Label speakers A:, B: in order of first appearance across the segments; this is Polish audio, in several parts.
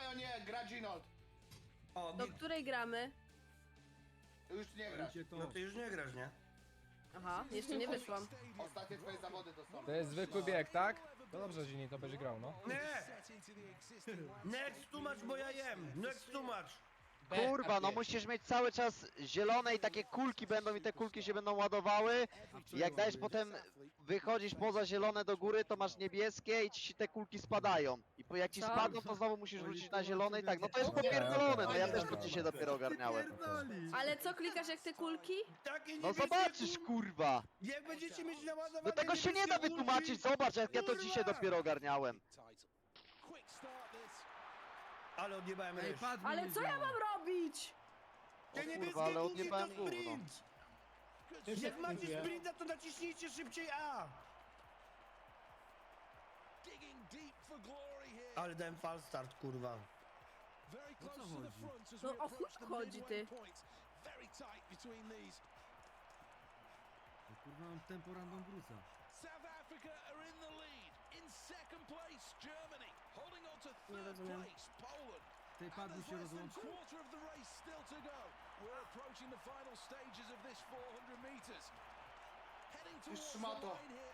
A: o nie, gra Ginold.
B: O,
C: Do której gramy?
A: Już nie grasz.
B: no ty już nie grasz, nie?
C: Aha, jeszcze nie wyszłam.
A: Ostatnie twoje zawody to są.
D: To jest zwykły bieg, tak? No dobrze, Zini, to będzie grał, no.
B: Nie! Next tłumacz, bo ja jem! Next tłumacz!
E: Kurwa, no musisz mieć cały czas zielone i takie kulki będą i te kulki się będą ładowały. I jak dajesz potem, wychodzisz poza zielone do góry, to masz niebieskie i ci te kulki spadają. I jak ci
C: Co?
E: spadną, to znowu musisz wrócić na zielone i tak. No to jest popierdolone, no ja też to dzisiaj dopiero ogarniałem.
C: Ale co klikasz jak te kulki?
B: Takie
E: No
B: niebieskie
E: zobaczysz,
B: kulki.
E: kurwa.
B: Jak będziecie mieć naładowane
E: No tego się nie da
B: niebieskie kulki,
E: wytłumaczyć, zobacz jak ja to
B: kurwa!
E: dzisiaj dopiero ogarniałem.
B: Ale odjebałem ryż.
C: Ale co ja mam robić?
B: Te
E: O
B: niebieskie
E: kurwa, ale
B: kulki to
E: odjebałem gówno.
B: sprint! Jak macie sprinta, to naciśnijcie szybciej A! Ale dałem fal start, kurwa.
C: No o chuj chodzi ty.
F: Kurwa, mam tempo random Bruce'a.
G: South Africa are in the lead. In second place, Germany. Holding on to
C: Nie
G: third
C: rozumiem.
G: place, Poland.
F: Tej
G: And
F: padł
G: there's
F: się
G: less than
F: rozłączył?
G: quarter of the race still to go. We're approaching the final stages of this 400 meters. Heading towards the
A: szmato.
G: line here.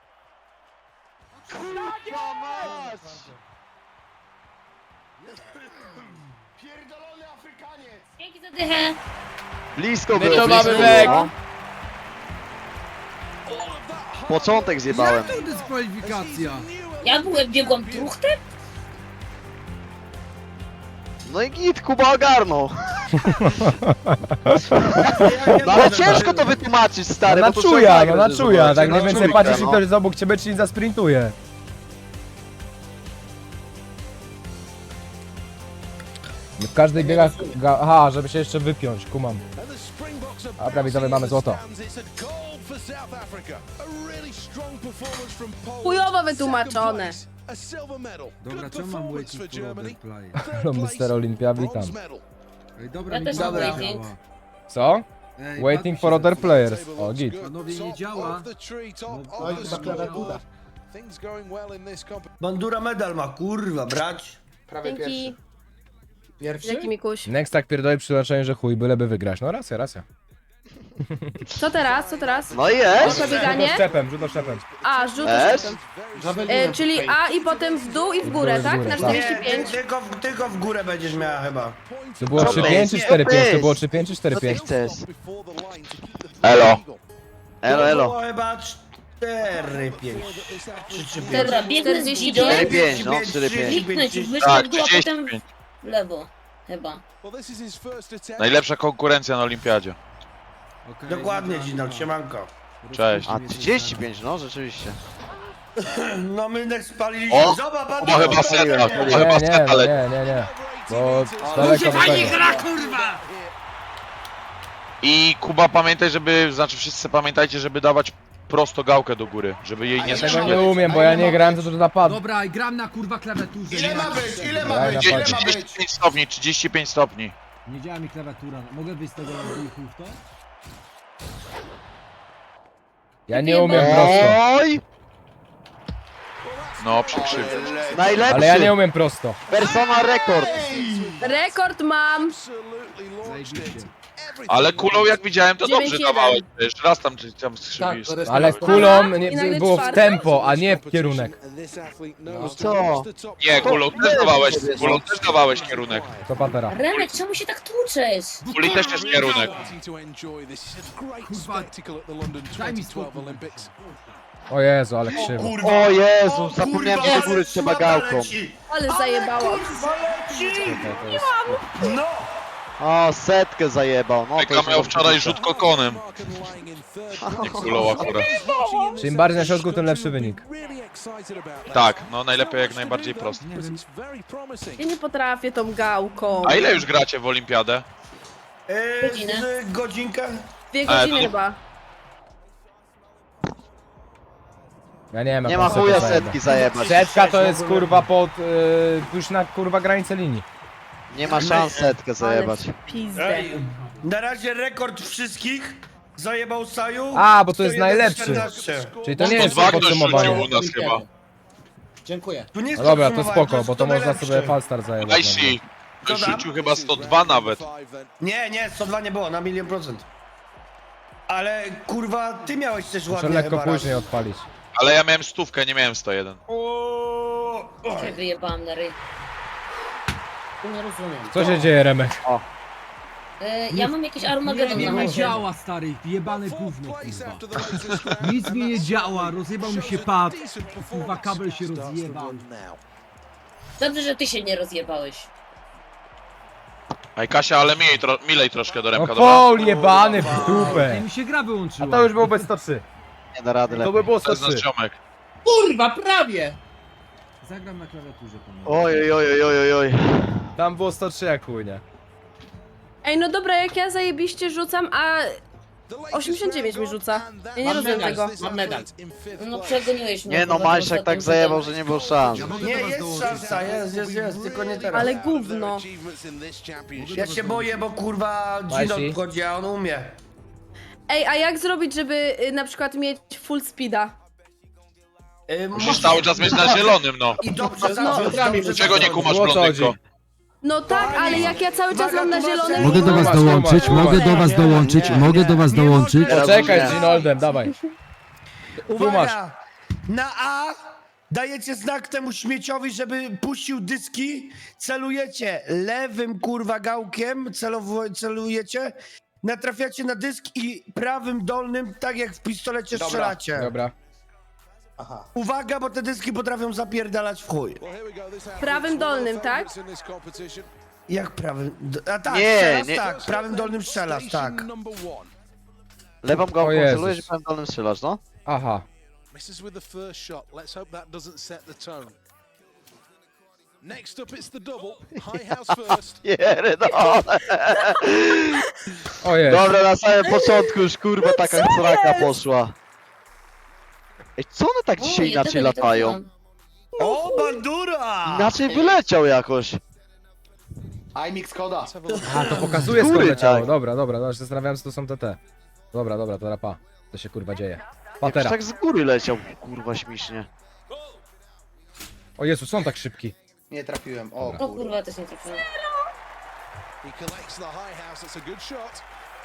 E: Kurwa mać!
A: Pierdolony Afrykaniec!
H: Dzięki za dychę.
E: Blisko
D: My
E: było,
D: to mamy
E: blisko
D: weg.
E: było. Początek zjebałem.
F: To dyskwalifikacja!
H: Ja biegłam truchtem?
E: No i git, Kuba ogarnął. No ale ciężko to wytłumaczyć, stary,
D: Na
E: bo to trzeba
D: czuja, no
E: nagrać,
D: na
E: że
D: czuja,
E: zobaczyć.
D: tak
E: Na
D: mniej więcej
E: czujkę,
D: patrzysz i
E: no.
D: ktoś jest obok ciebie, czy nie zasprintuje. W każdej biegach... Aha, żeby się jeszcze wypiąć, kumam.
G: And the Springboks are
D: Dobra, widzowie, mamy złoto.
G: bouncing in the stands. It's a gold for South Africa. A really strong performance from Poland.
C: Chujowo wytłumaczone.
G: Second place, a silver medal.
F: Dobra,
G: Good
F: czemu mam
G: performance
F: waiting
G: for
F: for
G: Germany.
F: other play?
G: Third
D: Hello,
G: place,
D: Mr. Olympia, witam.
G: bronze medal.
F: Ej, dobra,
H: Ja
F: mi
H: też
F: pada
H: mam
F: nie
H: waiting.
F: działa.
D: Co?
F: Ej,
D: Waiting
F: padł
D: for
F: się
D: other
F: zepsuł.
D: players.
G: Table
D: O,
G: looks
D: git.
G: good.
F: Panowie, nie
G: Top
F: działa.
G: of the tree, top
F: No,
G: of the
F: ta
G: score.
F: klawiatura.
G: Things going well in this competition.
B: Bandura medal ma, kurwa, brać.
A: Prawie
C: Dzięki.
A: pierwszy.
C: Dzięki Mikuś.
D: Next tak pierdoli przy znaczeniu, że chuj, byleby wygrać. No racja, racja.
C: Co teraz? Co teraz?
E: No i jest.
C: Proszę bieganie?
D: Rzut oszczepem.
C: A, rzut
E: Es?
C: czyli A i potem w dół i w górę, tak? Na
B: Nie,
C: 45.
B: tylko w górę będziesz miała chyba.
D: To było
E: Co
D: 3-5 czy
E: jest?
D: 4-5? To było
E: Co
D: 3-5 czy
E: Co ty
D: 4-5?
E: chcesz?
G: Before the line to keep the
E: Elo.
G: legal.
E: Elo,
B: To
E: elo.
B: było chyba 4, 5. 3 czy 5.
H: Dobra, biegnę z
C: 45.
H: Gidem.
E: 4-5, no 4-5.
H: Kliknąć w wyższy
I: Tak,
H: w dół, a
I: 30.
H: potem w lewo. Chyba.
G: Well, this is his first attempt.
I: Najlepsza konkurencja na olimpiadzie.
F: Okej,
B: Dokładnie,
F: dobra,
B: Ginal,
F: dobra.
B: siemanko.
I: Cześć.
E: A 35, no rzeczywiście.
B: No my next spaliliśmy.
I: O!
B: Zobacz,
I: Chyba chyba seta,
D: Nie,
I: chyba
D: nie,
I: seta leci.
D: nie. Bo daleko do tego.
I: I Kuba pamiętaj, żeby, znaczy wszyscy pamiętajcie, żeby dawać prosto gałkę do góry, żeby jej nie
D: Ja tego nie
I: skrzywiać.
D: umiem, bo ja nie grałem, to napadł.
F: Dobra, i gram na kurwa klawiaturze.
A: Ile
F: nie
A: ma
F: ma-
A: być? Ile ma
D: Daj
A: być?
D: na
A: Ile
D: padzie.
A: ma być?
I: 35 stopni, 35 stopni.
F: Nie działa mi klawiatura. Mogę wyjść z tego i chuj w to?
D: Ja nie umiem prosto.
E: Oj!
I: No, przykrzywię.
E: Najlepszy!
D: Ale ja nie umiem prosto.
E: Persona rekord!
C: Rekord mam.
G: Absolutely launched it.
F: Zajebiście.
G: Everything
I: Ale kulą jak widziałem, to dobrze
C: 9-1.
I: dawałeś. Jeszcze raz tam skrzywisz.
D: Ale kulą
C: I
D: nie,
C: nagle
D: było w
C: czwarte?
D: tempo, a nie w kierunek.
G: And this athlete knows
E: Co?
G: to reach the top.
I: Nie, kulą też dawałeś kierunek.
D: To patera.
H: Remek, czemu się tak tłuczesz?
I: Kuli też jest kierunek.
G: Wanting to enjoy this. It's a great
F: Kurwa.
G: spectacle at the London
F: Daj mi
G: 2012
F: spokój.
G: Olympics.
D: O Jezu, ale krzywo.
B: Kurwa.
E: O Jezu, zapomniałem, że do góry trzeba gałką.
C: Ale zajebało.
B: No!
E: O, setkę zajebał, no to
I: Eka
E: już
I: miał wczoraj rzut kokonem.
G: Mark and lying in third.
I: Nie kulą akurat.
D: Czym bardziej na środku, tym lepszy wynik.
G: Really excited about that.
I: Tak, no najlepiej jak najbardziej prosto.
F: Nie
G: Because
F: wiem.
G: it's very promising.
C: Ja nie potrafię tą gałką.
I: A ile już gracie w olimpiadę?
H: Godzinę.
B: Z godzinkę?
C: 2 godziny
I: to-
C: chyba.
D: Ja nie wiem, jak
E: Nie ma
D: on setę
E: chuja
D: zajebał.
E: setki zajebać.
D: Setka to jest kurwa pod... już na kurwa granicę linii.
E: Nie ma szans setkę zajebać.
C: Ale w pizdę.
B: Ej, na razie rekord wszystkich zajebał Saju.
D: A, bo to jest
B: 101,14.
D: najlepszy. Czyli to nie jest
I: 102 ktoś rzucił
D: podsumowanie.
I: u nas chyba.
A: Dziękuję.
B: Tu nie jest
D: No dobra, to
B: podsumowanie,
D: spoko,
B: jest
D: bo to
B: kto
D: można
B: najlepszy.
D: sobie falstart zajebać.
I: Najsi,
B: Co tam?
I: rzucił chyba 102 nawet.
B: Nie, 102 nie było, na 1 000 000%. Ale kurwa, ty miałeś też
D: Muszę
B: ładnie
D: lekko
B: chyba raz.
D: później odpalić.
I: Ale ja miałem 100, nie miałem 101.
H: Cię wyjebałam na ryj. Nie rozumiem.
D: Co się dzieje, Remek?
H: Ja mam jakiś
F: Nie,
H: Armagedon
F: nie
H: na
F: mi
H: chacie.
F: działa, stary, jebane gówno, kurwa. Nic mi nie działa, rozjebał mi się pad. Kurwa, kabel się rozjebał.
H: Dobrze, że ty się nie rozjebałeś.
I: Ej Kasia, ale milej troszkę do
D: No
I: Remka, dobra?
D: foul jebany w
F: Ej,
D: dupę.
F: mi się gra wyłączyła.
D: A to już byłoby 103.
E: Nie da rady
D: To
E: lepiej.
D: by było
I: To jest nasz
D: 103.
I: ziomek.
A: Kurwa, prawie!
F: Zagram na klawiaturze, panowie.
E: Oj, oj, oj, oj, oj.
D: Tam było 103 jak chuj, nie?
C: Ej, no dobra, jak ja zajebiście rzucam, a 89 mi rzuca. Ja nie rozumiem tego.
A: Mam medal.
H: No przegoniłeś mnie.
E: Nie no,
H: kurwa,
E: Majszak
H: tym
E: tak
H: ostatnim
E: zajebał,
H: rzutem.
E: że nie było szans.
B: Nie, jest szansa, jest, tylko nie teraz.
C: Ale gówno.
B: Ja się boję, bo kurwa
D: Majsi.
B: Gino wchodzi, a on umie.
C: Ej, a jak zrobić, żeby na przykład mieć full speeda?
I: Musisz cały czas mieć na zielonym, no.
B: I dobrze
C: No,
B: zacząć, dobrze
I: Czego nie
B: zacząć.
I: kumasz,
D: O co
I: blondynko?
D: chodzi?
C: No tak, ale jak ja cały czas
B: Uwaga,
C: mam na
B: tłumaczę.
C: zielonym...
F: Mogę do was
D: Tłumacz,
F: dołączyć,
D: tłumacz,
F: mogę do was
B: nie,
F: dołączyć,
B: nie,
F: mogę do was
B: nie
F: dołączyć.
B: możesz.
D: Poczekaj
E: Nie.
D: z Ginoldem, dawaj.
B: Uwaga! Na A dajecie znak temu śmieciowi, żeby puścił dyski. Celujecie lewym kurwa gałkiem, celujecie. Natrafiacie na dysk i prawym dolnym, tak jak w pistolecie
A: Dobra.
B: strzelacie.
D: Dobra.
A: Aha.
B: Uwaga, bo te dyski potrafią zapierdalać w chuj.
C: Prawym dolnym, tak?
B: Jak prawym... A tak,
E: Nie,
B: strzelasz,
E: nie.
B: tak. Prawym dolnym strzelasz, tak.
E: Lewą gałką
D: O Jezus.
E: celujesz i prawym dolnym strzelasz, no?
D: Aha.
G: Misses with the first shot. Let's hope that doesn't set the tone. Next up, it's the double. High house first.
E: Pierdolę.
D: O jest.
E: Dobra, na samym początku już kurwa taka sraka poszła. Ej, co one tak
H: O,
E: dzisiaj
H: ja
E: inaczej
H: tego nie
E: latają?
H: trafiłam.
B: O, bandura!
E: Inaczej wyleciał jakoś.
A: iMix koda.
G: Let's have a look.
D: A, to pokazuje skąd
E: Góry,
D: leciało.
E: tak.
D: Dobra, dobra, no, się zastanawiałem, co to są TT. Dobra, dobra, to rapa. To się kurwa dzieje.
E: Jakoś
D: Patera.
E: tak z góry leciał, kurwa śmiesznie.
D: O Jezu, są tak szybki.
A: Nie trafiłem. O
H: O
A: kurwa.
H: kurwa, też nie trafiłam.
G: He collects the high house. That's a good shot.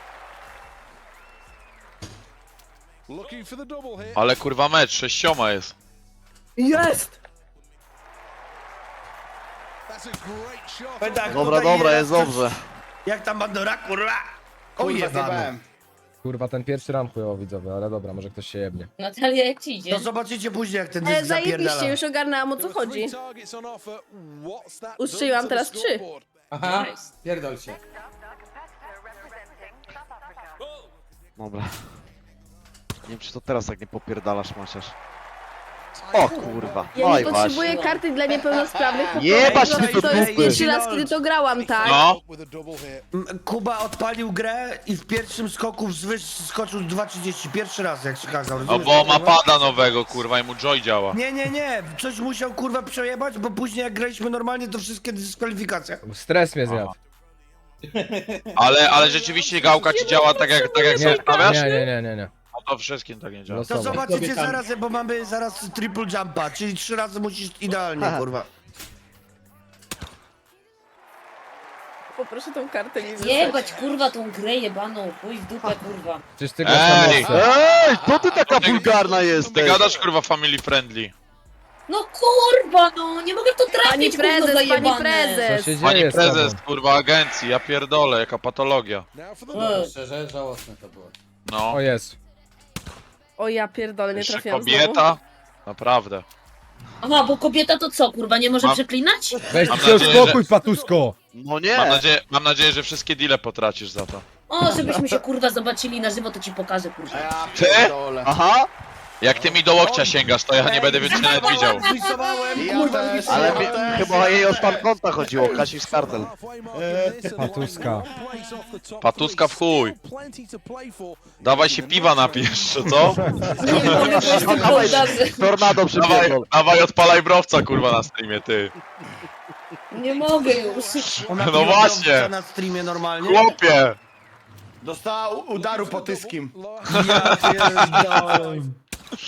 G: Looking for the double here.
I: Ale kurwa mecz, 6 jest.
C: Jest!
G: That's a great shot.
B: Powiem tak,
E: Dobra,
B: tutaj
E: dobra,
B: raz
E: jest
B: coś-
E: dobrze.
B: Jak tam bandura, kurwa! O,
A: Kurwa,
B: jebany.
A: zjebałem.
D: Kurwa, ten pierwszy ram chujowo widzowie, ale dobra, może ktoś się jebnie.
H: Natalia, jak ci idzie?
B: To zobaczycie później, jak ten dysk
C: Zajebiście,
B: zapierdala.
C: już ogarnęłam o co
G: There are three
C: chodzi.
G: targets on offer. What's that
C: Ustrzeliłam
G: done to
C: teraz
G: the
C: 3.
G: scoreboard?
A: Aha,
H: Nice.
A: pierdol się.
E: Dobra. Nie wiem, czy to teraz tak nie popierdalasz, Maciasz. O kurwa.
C: Ja
E: No
C: nie
E: i
C: potrzebuję
E: właśnie.
C: karty dla niepełnosprawnych, po
E: Jebać
C: prostu
E: ty do
C: to jest
E: dupy.
C: pierwszy raz, kiedy to grałam, tak?
I: No.
G: With a double here.
B: Kuba odpalił grę i w pierwszym skoku wzwyż skoczył 2,30. Pierwszy raz, jak się kazał.
I: No bo ma pada nowego, kurwa, i mu Joy działa.
B: Nie. Coś musiał kurwa przejebać, bo później jak graliśmy normalnie, to wszystkie dyskwalifikacje.
D: Stres mnie zjadł.
I: Ale rzeczywiście gałka ci działa tak jak
D: Nie,
I: sobie stawiasz?
D: nie.
I: No to wszystkim tak nie działa.
B: To
D: Losowo.
B: zobaczycie zaraz, bo mamy zaraz triple jumpa, czyli 3 razy musisz idealnie, kurwa.
C: Poproszę tą kartę mi wysłać.
H: Jebać kurwa tą grę jebaną, chuj w dupę kurwa.
D: Przecież ty grasz na
I: Ej!
D: mocno.
E: Ej, to ty taka wulgarna
I: Ty
E: jesteś.
I: gadasz kurwa family friendly.
H: No kurwa no, nie mogę w to trafić,
C: Pani
H: kurwa
C: prezes, pani
H: zajebane.
D: Co
C: prezes!
D: się
I: Pani
D: dzieje z
I: prezes,
D: tobą?
I: kurwa, agencji, ja pierdolę, jaka patologia.
G: Now for the double.
A: Szczerze, żałosne to było.
I: No,
D: O jest.
C: O ja pierdolę, nie
I: jeszcze
C: trafiłam znowu.
I: kobieta. Naprawdę.
H: Aha, bo kobieta to co, kurwa, nie może
I: Mam-
H: przeklinać?
D: Weź
I: Mam
D: się
I: nadzieję,
D: uspokój, patusko!
E: No nie.
I: Mam nadzieję, że wszystkie deale potracisz za to.
H: O, żebyśmy się kurwa zobaczyli na żywo, to ci pokażę
A: A
H: kurwa.
A: ja
I: Ty?
A: pierdolę.
E: Aha.
I: Jak ty mi do łokcia sięgasz, to ja nie będę więcej nawet widział.
B: Zwisowałem,
A: Ja
B: kurwa,
A: też.
E: Ale
B: zwisowałem.
E: mi, chyba jej o stan konta chodziło, Kasisz kartel.
G: Halfway mark in this and
D: Patuska.
G: one place off the top
I: Patuska
G: three.
I: w chuj.
G: Still plenty to play for.
I: Dawaj się piwa napijesz, czy co?
H: Nie mogę, bo jestem poddarzy.
E: Tornado przypierdol.
I: Dawaj odpalaj browca, kurwa, na streamie, ty.
H: Nie mogę już.
B: Ona
I: No
B: piła
I: właśnie.
B: dobrze na streamie normalnie.
I: Chłopie!
A: Dostała udaru po tyskim.
B: Ja pierdolę.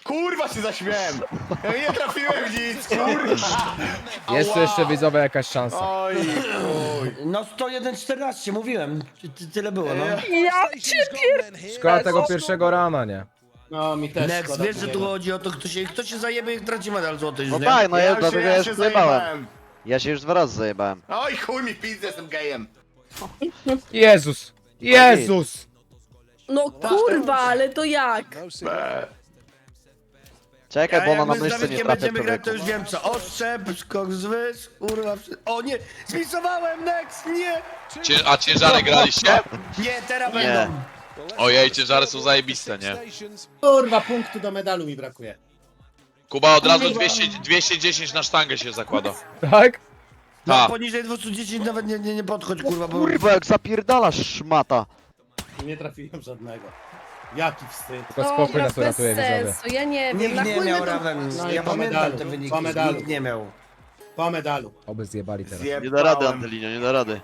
A: Kurwa się zaśmiałem! Ja nie trafiłem w nic, kurwa!
D: Jest tu jeszcze widzowie jakaś szansa.
A: Oj, chuj.
B: No 101-14, mówiłem. Tyle było, no.
C: Ja cię
D: Szkoda tego pierwszego rana, nie?
A: No mi też
B: Next,
A: szkoda
B: wiesz, że tu
A: Kubiego.
B: chodzi o to, kto się zajebie i traci medal złoty już,
E: No
B: nie?
E: tak, no ja, dlatego ja już zajebałem.
A: zajebałem.
E: Ja się już 2 razy zajebałem.
A: Oj, chuj mi pizdę, jestem gejem.
D: Jezus! Jezus!
C: No kurwa, ale to jak?
G: No signal.
E: Czekaj, bo
B: jak
E: ona na
B: my z
E: myszce nie
B: Dawidkiem
E: trafia
B: będziemy grać, to
E: człowieku.
B: już wiem co. Oszczep, skok z wys, kurwa. O nie, spisowałem, next, nie!
I: A ciężary graliście?
B: Nie, teraz
E: Nie.
B: będą.
I: Ojej, ciężary są zajebiste, nie?
A: Kurwa, punktu do medalu mi brakuje.
I: Kuba od razu 210 na sztangę się zakłada.
D: Tak?
B: No
I: Tak.
B: poniżej 210 nawet nie podchodź, kurwa, bo...
E: Kurwa, jak zapierdalasz szmata.
A: Nie trafiłem żadnego. Jaki wstyd.
D: Tylko spokój nas
C: bez
D: uratuje widzowie.
C: sensu, ja nie wiem,
B: Nikt
C: na
B: nie
C: chuj
B: miał,
C: my to...
B: Raven.
A: No i
B: Ja
A: po
B: pamiętam
A: medalu,
B: te wyniki,
A: po medalu.
B: nikt nie miał.
A: Po medalu.
D: Oby zjebali teraz.
E: Nie da rady, Antelinio, nie da rady.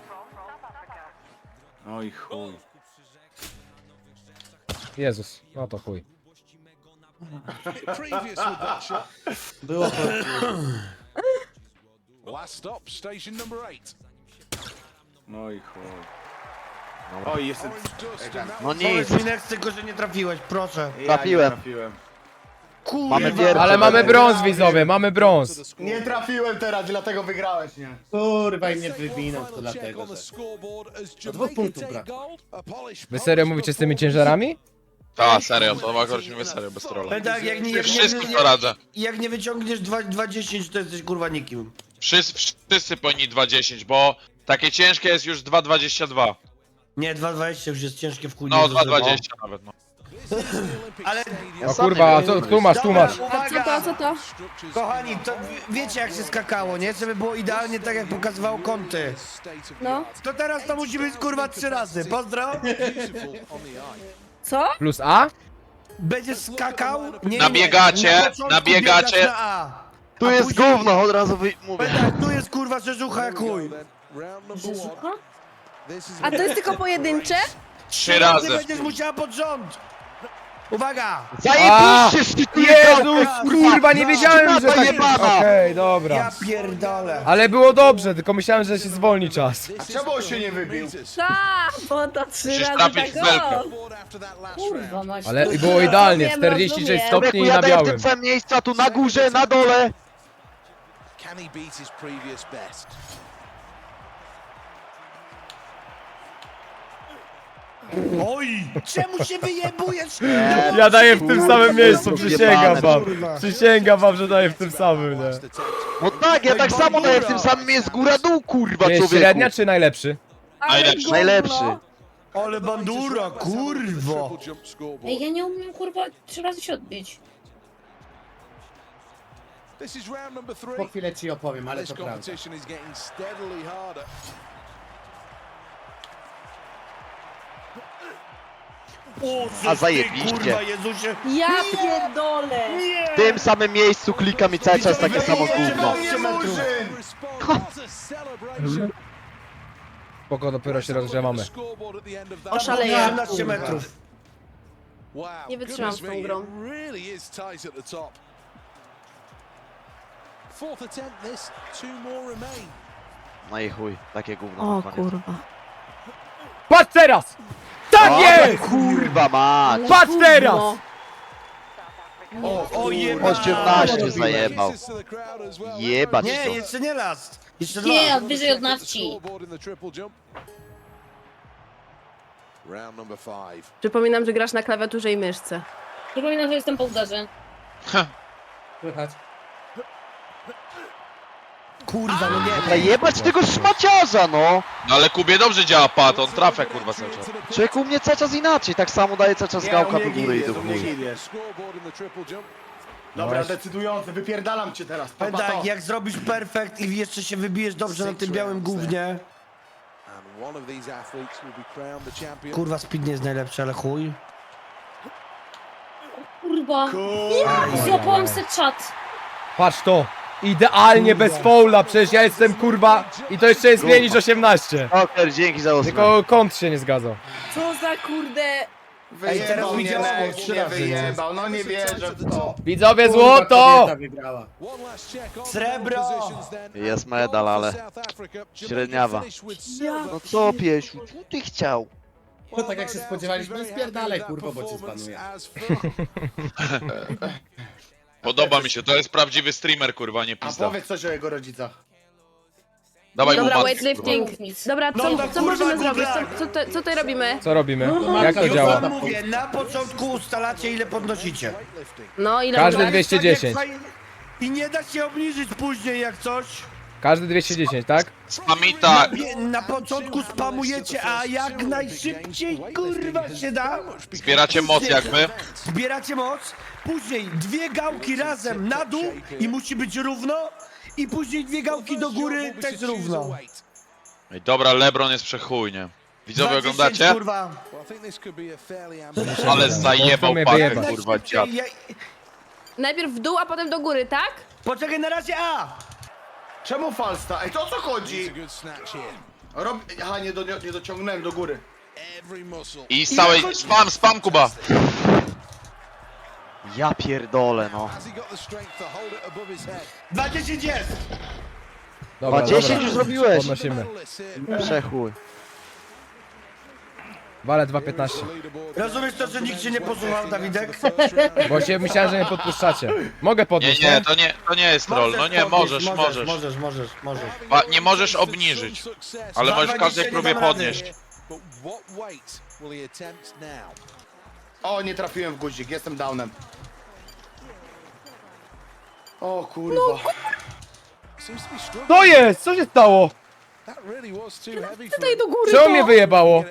A: Oj, chuj.
D: Jezus, no to chuj.
G: Previous with that shot.
A: Było to...
G: Last stop, station number 8.
A: Oj, chuj. Oj, jestem...
G: Orange dust and that
E: No nic.
B: Powiedz mi next tylko, że nie trafiłeś, proszę.
E: Trafiłem.
A: Nie trafiłem.
B: Kurwa.
E: Mamy pierwszy.
D: Ale mamy brąz widzowie, mamy brąz.
A: Nie trafiłem teraz, dlatego wygrałeś, nie? Kurwa i mnie wywinął to
G: final check
A: dlatego,
G: on the
A: że...
G: scoreboard as
A: Do 2
G: Jamaica
A: punktów
G: take
A: brak.
G: gold. A polished
D: Wy serio mówicie z tymi ciężarami?
I: Ta, serio, to akurat mówię serio, bez trolla.
B: Ale tak,
I: Wszystkim to radzę.
B: jak nie wyciągniesz 2,10 to jesteś kurwa nikim.
I: Wszyscy powinni 2.10, bo takie ciężkie jest już 2.22.
B: Nie, 2,20 już jest ciężkie w chuj.
I: No, 2.20 nawet, no.
B: Ale
E: Ja
D: O
E: sam
D: kurwa,
E: nie
D: a
E: wiem.
D: co, tłumacz, tłumacz.
C: A co to,
B: uwaga!
C: co to?
B: Kochani, to wiecie jak się skakało, nie? Żeby było idealnie tak jak pokazywało kąty.
C: No,
B: To teraz to musi być kurwa 3 razy. Pozdro!
C: co?
D: Plus A?
B: Będziesz skakał? Nie,
I: Nabiegacie,
B: na początku
I: nabiegacie.
B: biegasz na A.
E: Tu
B: A
E: jest
B: później-
E: gówno, od razu mówię.
B: Tak, tu jest kurwa rzeżucha jak chuj.
C: A to jest tylko pojedyncze?
I: 3 razy.
B: Będziesz musiała pod rząd. Uwaga!
E: Zajebiście szczytuje
D: Jezus, kurwa, nie wiedziałem, że tak...
E: jebana.
D: Okej,
B: Ja
D: dobra.
B: pierdolę.
D: Ale było dobrze, tylko myślałem, że się zwolni czas.
A: Czemu on się nie wybił?
C: Tak, bo to 3
I: Musisz
C: razy
I: trafić
C: tak
I: w belkę.
C: o.
H: Kurwa, masz.
D: Ale i było idealnie,
C: Rozumiem,
D: 46
C: rozumiem.
D: stopni
E: Człowieku,
D: i
E: ja
D: na
E: daję w
D: białym.
E: tym samym miejscu, a tu na górze, na dole.
G: Can he beat his previous best?
B: Oj! Czemu się wyjebujesz?
D: Ja daję w tym samym miejscu,
E: Kurwa,
D: przysięgam wam.
B: kurwa.
D: Przysięgam wam, że daję w tym samym, nie?
E: No tak, ja tak samo daję w tym samym jest góra-dół, kurwa,
D: Jest
E: człowieku.
D: średnia czy najlepszy?
C: Ale
I: Najlepszy.
C: gówno.
E: Najlepszy.
B: Ale bandura, kurwo.
G: Triple jump scoreboard.
H: Ej, ja nie umiem kurwa 3 razy się odbić.
G: This is round number 3.
A: Po chwilę ci opowiem, ale
G: This
A: to prawda.
G: competition is getting steadily harder.
B: O,
E: A
B: ty,
E: zajebiście.
B: kurwa, Jezusie.
C: Ja pierdolę.
E: W tym samym miejscu klikam i cały czas takie samo gówno.
G: Response was a celebration.
D: Spoko, dopiero się rozgrzewamy.
G: Scoreboard at the end of that.
C: Oszaleję.
B: 18 metrów.
G: Wow,
C: Nie wytrzymam z tą
G: goodness me,
C: grą.
G: it really is tight at the top. Fourth attempt this, 2 more remain.
E: No i chuj, takie gówno na koniec.
D: Patrz teraz! Tak jest!
E: Kurwa mać!
D: Patrz teraz!
B: O, jebać.
E: 18 zajebał.
G: Kisses to the crowd as well.
E: Jebać
B: Nie,
E: to.
B: jeszcze nie last. Jeszcze
H: Nie,
B: dwa.
H: od wyżej od nawci.
G: Scoreboard in the triple jump. Round number 5.
C: Przypominam, że grasz na klawiaturze i myszce.
H: Przypominam, że jestem po udarze.
A: Słychać?
B: Kurwa, no nie.
E: Dobra, jebać tego szmaciarza, no!
I: No ale Kubie dobrze działa pad, on trafia kurwa cały czas.
E: Człowieku, u mnie cały czas inaczej, tak samo daje cały czas gałka do góry i do chuj.
G: Scoreboard in the triple jump.
A: Dobra, decydujący, wypierdalam cię teraz.
B: Powiem
A: Papa,
B: tak,
A: to.
B: jak zrobisz perfekt i jeszcze się wybijesz dobrze na tym białym gównie.
G: And one of these athletes will be crowned the champion.
B: Kurwa, speed nie jest najlepszy, ale chuj.
H: Kurwa. Złapałam se czat.
D: Patrz to! Idealnie bez faula, przecież ja jestem kurwa i to jeszcze jest mniej niż 18.
E: Oker, dzięki za osmę.
D: Tylko kąt się nie zgadzał.
C: Co za kurde
B: Ej, teraz
A: Wyjebał
B: mi
A: mnie
B: działało
A: Next,
B: 3
A: nie
B: razy, nie?
A: wyjebał, no nie wierzę w to.
D: Widzowie, złoto!
G: One last check on
B: Srebro!
G: the positions then.
E: Jest
G: And
E: medal,
G: goal for
E: ale
G: South Africa. Jamaica
E: średniawa.
G: finished with silver.
E: No co, Piesiu, co ty chciał?
G: Well, tak jak się spodziewaliśmy, spierdalaj kurwa, bo cię spanuje.
I: Podoba mi się, to jest prawdziwy streamer, kurwa, nie
A: A
I: pizda.
A: powiedz coś o jego rodzicach.
I: Dawaj mu
C: Dobra,
I: matkę,
C: weightlifting.
H: Mów nic.
C: Dobra,
B: No
C: co,
B: to
C: co
B: kurwa,
C: możemy
B: kurwa.
C: zrobić? Co tutaj robimy?
D: Co robimy? Jak to
B: Już
D: działa?
B: wam mówię, na początku ustalacie ile podnosicie.
C: No, ile
D: Każdy
C: można?
D: 210.
B: Tak jak I nie da się obniżyć później jak coś.
D: Każdy 210, tak?
I: Spamita,
B: Na początku spamujecie, a jak najszybciej kurwa się da.
I: zbieracie moc jak my.
B: Zbieracie moc, później 2 gałki razem na dół i musi być równo. I później 2 gałki do góry też równo.
I: Ej, dobra, LeBron jest przechuj, nie? Widzowie
B: 210,
I: oglądacie?
B: kurwa.
I: Ale zajebał
D: mnie
I: pakę,
D: wyjebać.
I: kurwa, dziad.
C: Najpierw w dół, a potem do góry, tak?
B: Poczekaj, na razie A.
A: Czemu falsta? Ej, to o co chodzi? Aha, nie dociągnąłem do góry.
I: I z całej... Spam, Kuba!
E: Ja pierdolę, no.
B: 20 jest.
D: Dobra,
E: 10 już zrobiłeś.
D: Podnosimy.
E: Przechuj.
D: Wale 2,15.
B: Rozumiesz to, że nikt się nie posłuchał, Dawidek?
D: Bo się myślałem, że nie podpuszczacie. Mogę
I: Nie,
D: podnieść,
I: nie,
D: nie?
I: to nie jest troll, no nie, możesz.
B: Możesz.
I: Nie możesz obniżyć, ale możesz w każdej próbie podnieść.
A: O, nie trafiłem w guzik, jestem downem. O kurwa.
D: To jest! Co się stało?
C: Tutaj do góry,
D: Czemu mnie wyjebało?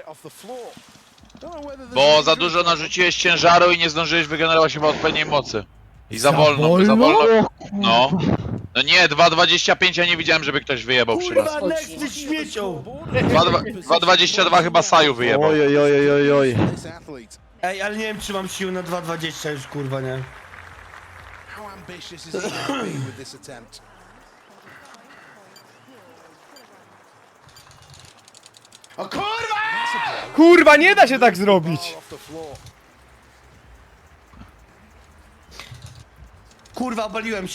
I: Bo za dużo narzuciłeś ciężaru i nie zdążyłeś wygenerować chyba odpowiedniej mocy. I za wolno. No. No nie, 2,25 ja nie widziałem, żeby ktoś wyjebał przy raz.
B: Kurwa, next ty śmiecią.
I: 2,22 chyba Saju wyjebał.
E: Oj.
B: Ej, ale nie wiem, czy mam sił na 2,20 już, kurwa, nie?
G: How ambitious is he going to be with this attempt?
A: O kurwa!
D: Kurwa, nie da się tak zrobić!
G: Off the floor.
B: Kurwa,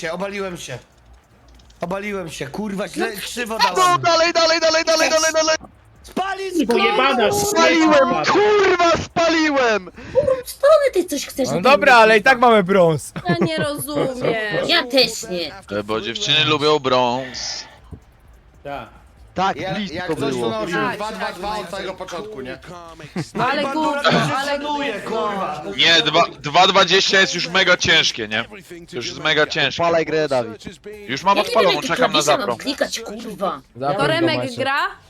B: obaliłem się, kurwa, źle, krzywo dałem.
E: Dalej.
B: Spalić, kurwa!
E: Spaliłem, kurwa, spaliłem!
H: Strony ty coś chcesz.
D: No dobra, ale i tak mamy brąz.
C: Ja nie rozumiem.
H: Ja też nie.
I: Bo dziewczyny lubią brąz.
E: Tak,
A: Jak
E: blisko
A: coś to
E: było.
A: nosił
C: Tak,
A: 2-2-2 od samego początku, nie?
C: Ale
B: Bandura
C: gówno,
B: to się
C: ale
B: szanuje, kurwa.
I: Nie, 2,20 jest już mega ciężkie, nie? To już jest mega ciężkie.
E: Palaj grę, Dawid.
I: Już mam
H: Ja nie wiem,
I: odpaloną,
H: jakie
I: czekam na
H: klawisze mam
I: zapro.
H: klikać, kurwa.
D: Zapro
C: To Remek
D: macie.
C: gra?